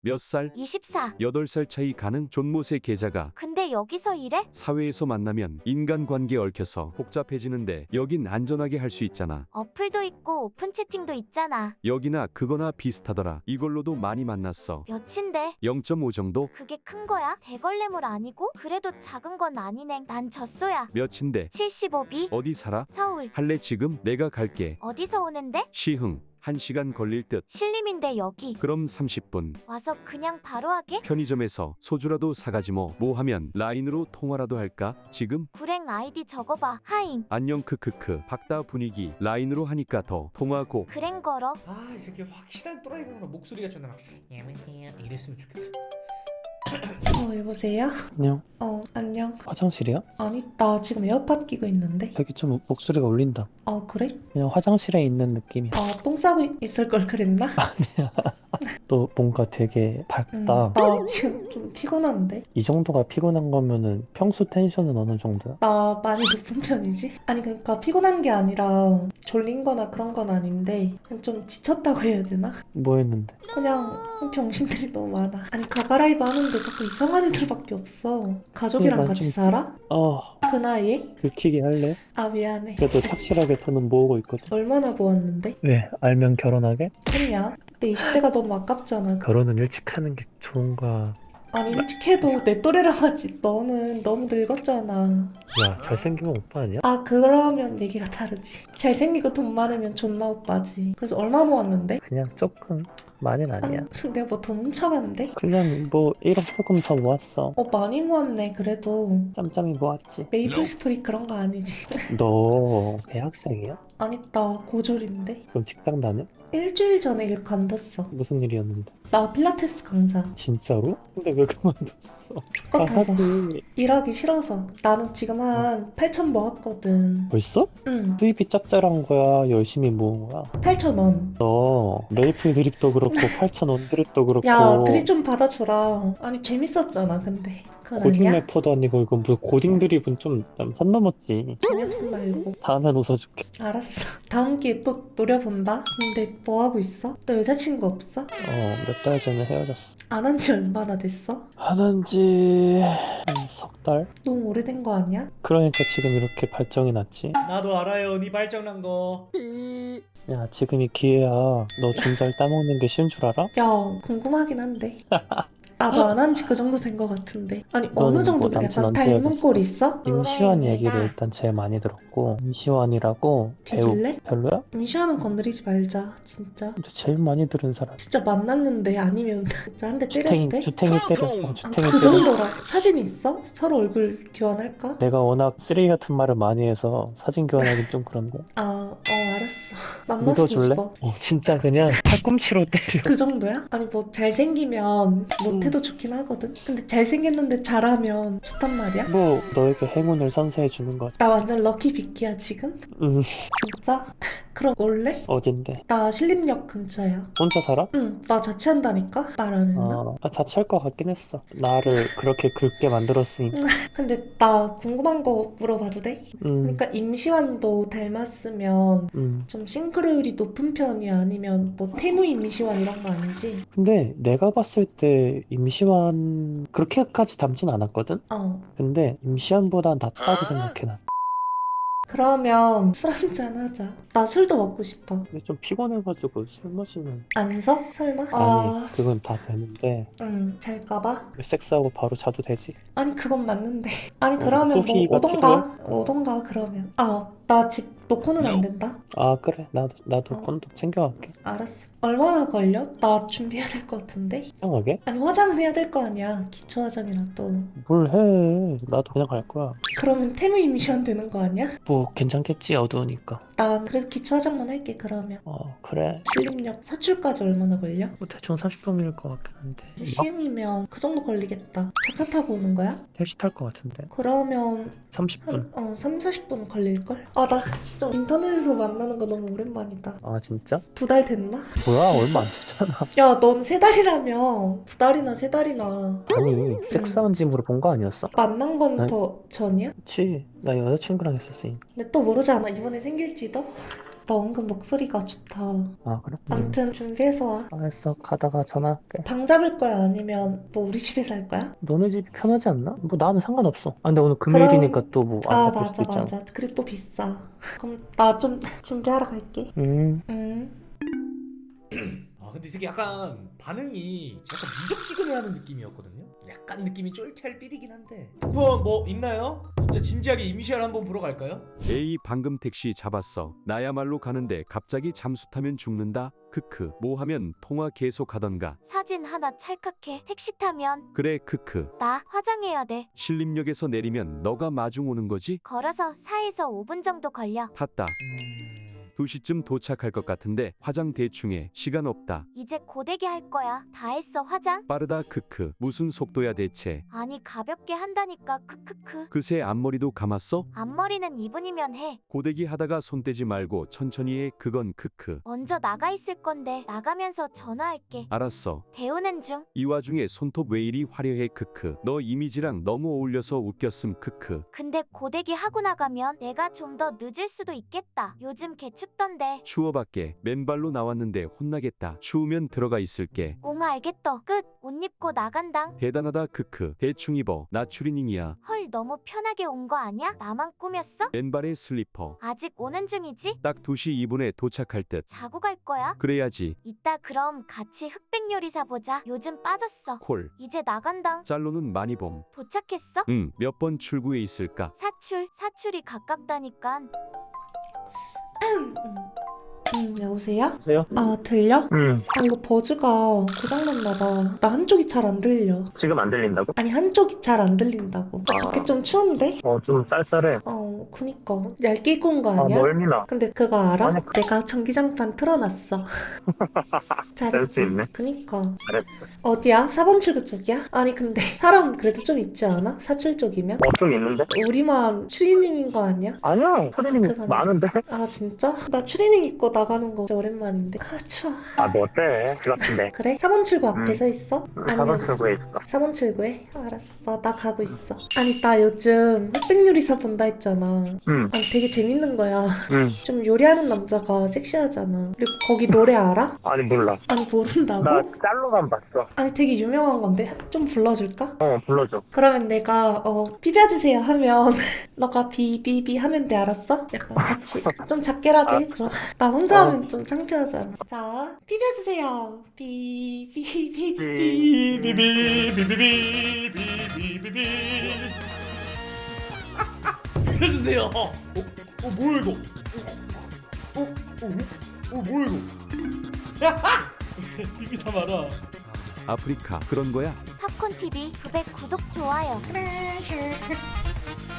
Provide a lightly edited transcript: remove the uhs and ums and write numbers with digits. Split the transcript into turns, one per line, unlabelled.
몇 살?
24.
8살 차이 가는 존못의 계좌가
근데 여기서 일해?
사회에서 만나면 인간관계 얽혀서 복잡해지는데 여긴 안전하게 할 수 있잖아.
어플도 있고 오픈 채팅도 있잖아.
여기나 그거나 비슷하더라. 이걸로도 많이 만났어.
몇인데?
0.5 정도?
그게 큰 거야? 대걸레물 아니고? 그래도 작은 건 아니네. 난 젖소야.
몇인데?
75B.
어디 살아?
서울.
할래 지금? 내가 갈게.
어디서 오는데?
시흥. 1시간 걸릴 듯.
신림인데 여기.
그럼 30분.
와서 그냥 바로 하게?
편의점에서 소주라도 사가지 뭐. 뭐 하면 라인으로 통화라도 할까? 지금?
불행 아이디 적어봐. 하임.
안녕 크크크. 박다 분위기. 라인으로 하니까 더 통하고.
그랭 걸어.
아, 이 새끼 확실한 또라이가 목소리가 좀 막 여보세요 이랬으면 좋겠다.
여보세요?
안녕.
안녕.
화장실이야?
아니, 나 지금 에어팟 끼고 있는데.
되게 좀 목소리가 울린다.
그래?
그냥 화장실에 있는 느낌이야.
똥 싸고 있을 걸 그랬나?
또 뭔가 되게 밝다.
나 지금 좀 피곤한데.
이 정도가 피곤한 거면은 평소 텐션은 어느 정도야?
나 많이 높은 편이지? 아니, 그러니까 피곤한 게 아니라 졸린 거나 그런 건 아닌데 그냥 좀 지쳤다고 해야 되나?
뭐 했는데?
그냥 병신들이 너무 많아. 아니, 가가라이브 하는데 자꾸 이상한 애들밖에 없어. 가족이랑
난
같이
좀-
살아? 그 나이에?
긁히게 할래?
미안해.
그래도 착실하게 돈은 모으고 있거든.
얼마나 모았는데?
왜? 알면 결혼하게?
좋냐? 내 20대가 너무 아깝잖아.
결혼은 일찍 하는 게 좋은가?
아니, 일찍 해도 내 또래랑 하지. 너는 너무 늙었잖아.
야, 잘생기면 오빠 아니야?
그러면 얘기가 다르지. 잘생기고 돈 많으면 존나 오빠지. 그래서 얼마 모았는데?
그냥 조금 많이는 아니야.
무슨 내가 뭐 돈 훔쳐갔는데?
그냥 뭐 1억 조금 더 모았어.
많이 모았네, 그래도.
짬짬이 모았지.
메이플 스토리 그런 거 아니지.
너 대학생이야?
아니, 나 고졸인데.
그럼 직장 다녀?
일주일 전에 일 관뒀어.
무슨 일이었는데?
나 필라테스 강사.
진짜로? 근데 왜 그만뒀어?
똑같아서.
하지.
일하기 싫어서. 나는 지금 한 8천 모았거든.
벌써?
응,
수입이 짭짤한 거야? 열심히 모은 거야?
8,000원.
너 메이플 드립도 그렇고 8,000원 드립도 그렇고
야, 드립 좀 받아줘라. 아니, 재밌었잖아, 근데. 그건
고딩
아니야?
래퍼도 아니고 이거 무슨 고딩 드립은 좀 선 넘었지.
재미없음 말고.
다음엔 웃어줄게.
알았어. 다음 기회에 또 노려본다. 근데 뭐 하고 있어? 너 여자친구 없어?
몇 달 전에 헤어졌어.
안 한 지 얼마나 됐어?
안 한지 한 석 달?
너무 오래된 거 아니야?
그러니까 지금 이렇게 발정이 났지.
나도 알아요, 네 발정난 거.
야, 지금이 기회야. 너 존잘 따먹는 게 쉬운 줄 알아?
야, 궁금하긴 한데. 나도 안 한 지 그 정도 된 거 같은데. 아니, 어느
너는
정도
뭐 남친
약간
언제
닮은
헤어졌어?
꼴 있어?
임시완 얘기를 일단 제일 많이 들었고, 임시완이라고 배우
뒤질래?
별로야?
임시완은 건드리지 말자, 진짜.
근데 제일 많이 들은 사람.
진짜 만났는데 아니면 진짜 한 대 때려도 돼?
주탱이 때려. 주탱이
그
때려.
정도라. 사진 있어? 서로 얼굴 교환할까?
내가 워낙 쓰레기 같은 말을 많이 해서 사진 교환하긴 좀 그런데.
알았어. 만나서
믿어줄래?
싶어.
진짜 그냥 팔꿈치로 때려.
그 정도야? 아니, 뭐 잘생기면 못해도 좋긴 하거든. 근데 잘생겼는데 잘하면 좋단 말이야?
뭐 너에게 행운을 선사해 주는 거지.
나 완전 럭키 비키야 지금? 진짜? 그럼 올래?
어딘데?
나 신림역 근처야.
혼자 살아?
응, 나 자취한다니까? 말 안 했나?
자취할 것 같긴 했어. 나를 그렇게 긁게 만들었으니까.
근데 나 궁금한 거 물어봐도 돼? 그러니까 임시완도 닮았으면 좀 싱크로율이 높은 편이야? 아니면 뭐 태무 임시완 이런 거 아니지?
근데 내가 봤을 때 임시완 그렇게까지 닮진 않았거든? 근데 임시완보다 낫다고 생각해 난.
그러면 술 한잔 하자. 나 술도 먹고 싶어.
근데 좀 피곤해가지고 술 마시면
안 서? 설마?
아니 그건 다 되는데
잘까봐?
섹스하고 바로 자도 되지.
아니, 그건 맞는데. 아니, 그러면 뭐
소피가
오던가 그러면. 나 집 놓고는 안 된다.
그래 나도 콘도 챙겨갈게.
알았어. 얼마나 걸려? 나 준비해야 될 것 같은데?
이상하게?
아니, 화장은 해야 될 거 아니야. 기초 화장이라도.
뭘 해. 나도 그냥 갈 거야.
그러면 태무 임시완 되는 거 아니야?
뭐 괜찮겠지 어두우니까.
난 그래도 기초 화장만 할게, 그러면.
그래.
신림역 사출까지 얼마나 걸려?
뭐 대충 30분일 것 같긴 한데.
시흥이면 그 정도 걸리겠다. 차차 타고 오는 거야?
택시 탈 것 같은데.
그러면
30분.
3, 40분 걸릴걸? 나 진짜 인터넷에서 만나는 거 너무 오랜만이다.
진짜?
2달 됐나?
뭐야
진짜?
얼마 안 됐잖아.
야, 넌 3달이라며. 2달이나 3달이나.
아니 섹스한 지 물어본 거 아니었어?
만난 건
네.
더 전이야?
그치. 나 여자친구랑 했었으니.
근데 또 모르잖아. 이번에 생길지도? 너 은근 목소리가 좋다.
아, 그래?
암튼 준비해서 와.
알았어. 가다가 전화할게.
방 잡을 거야? 아니면 뭐 우리 집에서 할 거야?
너네 집이 편하지 않나? 뭐 나는 상관없어. 아, 근데 오늘 금요일이니까 또 뭐 안
아,
잡힐
맞아,
수도 있잖아.
맞아. 그리고 또 비싸. 그럼 나 좀 준비하러 갈게.
음.
아 근데 이 새끼 약간 반응이 약간 미적지근해하는 느낌이었거든요. 약간 느낌이 쫄탈 삘이긴 한데. 쿠폰 뭐 있나요? 진짜 진지하게 임시완 한번 보러 갈까요?
에이 방금 택시 잡았어. 나야말로 가는데 갑자기 잠수 타면 죽는다. 크크. 뭐 하면 통화 계속 하던가.
사진 하나 찰칵해. 택시 타면
그래 크크.
나 화장해야 돼.
신림역에서 내리면 너가 마중 오는 거지?
걸어서 4에서 5분 정도 걸려.
탔다. 2시쯤 도착할 것 같은데 화장 대충 해. 시간 없다.
이제 고데기 할 거야. 다 했어 화장?
빠르다 크크. 무슨 속도야 대체.
아니 가볍게 한다니까 크크크.
그새 앞머리도 감았어?
앞머리는 2분이면 해.
고데기 하다가 손 떼지 말고 천천히 해. 그건 크크.
먼저 나가 있을 건데 나가면서 전화할게.
알았어.
데우는 중.
이 와중에 손톱 왜 이리 화려해 크크. 너 이미지랑 너무 어울려서 웃겼음 크크.
근데 고데기 하고 나가면 내가 좀 더 늦을 수도 있겠다. 요즘 개 춥던데.
추워 밖에 맨발로 나왔는데 혼나겠다. 추우면 들어가 있을게.
옹 알겠어. 끝. 옷 입고 나간당.
대단하다 크크. 대충 입어. 나 추리닝이야.
헐 너무 편하게 온 거 아니야? 나만 꾸몄어?
맨발에 슬리퍼.
아직 오는 중이지?
딱 2시 2분에 도착할 듯.
자고 갈 거야?
그래야지.
이따 그럼 같이 흑백 요리사 보자. 요즘 빠졌어.
콜.
이제 나간당.
짤로는 많이 봄.
도착했어?
몇 번 출구에 있을까?
사출이 가깝다니깐.
여보세요?
여보세요?
아, 들려?
응.
이거 버즈가 고장났나 봐. 나 한쪽이 잘 안 들려.
지금 안 들린다고?
아니, 한쪽이 잘 안 들린다고. 밖에 좀 추운데?
좀 쌀쌀해.
그니까. 얇게 입고 온 거
아,
아니야?
멀미나.
근데 그거 알아?
아니.
내가 전기장판 틀어놨어.
그럴 수 있네.
그니까.
잘했어.
어디야? 4번 출구 쪽이야? 아니, 근데 사람 그래도 좀 있지 않아? 사출 쪽이면?
좀 있는데?
우리만 추리닝인 거 아니야?
아니야. 트레이닝
그건
많은데?
아, 진짜? 나 추리닝 입고 나가는 거 진짜 오랜만인데. 아, 추워.
아, 뭐 어때? 집 같은데.
그래? 4번 출구 앞에 서 있어?
4번 출구에 있어.
4번 출구에? 알았어. 나 가고 있어. 아니, 나 요즘 흑백 요리사 본다 했잖아.
응.
아니, 되게 재밌는 거야.
응.
좀 요리하는 남자가 섹시하잖아. 그리고 거기 노래 알아?
아니, 몰라.
아니, 모른다고?
나 짤로만 봤어.
아니, 되게 유명한 건데 좀 불러줄까?
불러줘.
그러면 내가 비벼주세요 하면 너가 비비비 하면 돼. 알았어? 약간 같이 좀 작게라도 해줘. 나 혼자 하면 좀 창피하잖아. 자, 비벼주세요. 비비비비.
비비비비비비비비비비. 해주세요. 뭐야 이거? 뭐야 이거? 비비다 말아.
아프리카 그런 거야?
팝콘 TV 900 구독 좋아요.
그래.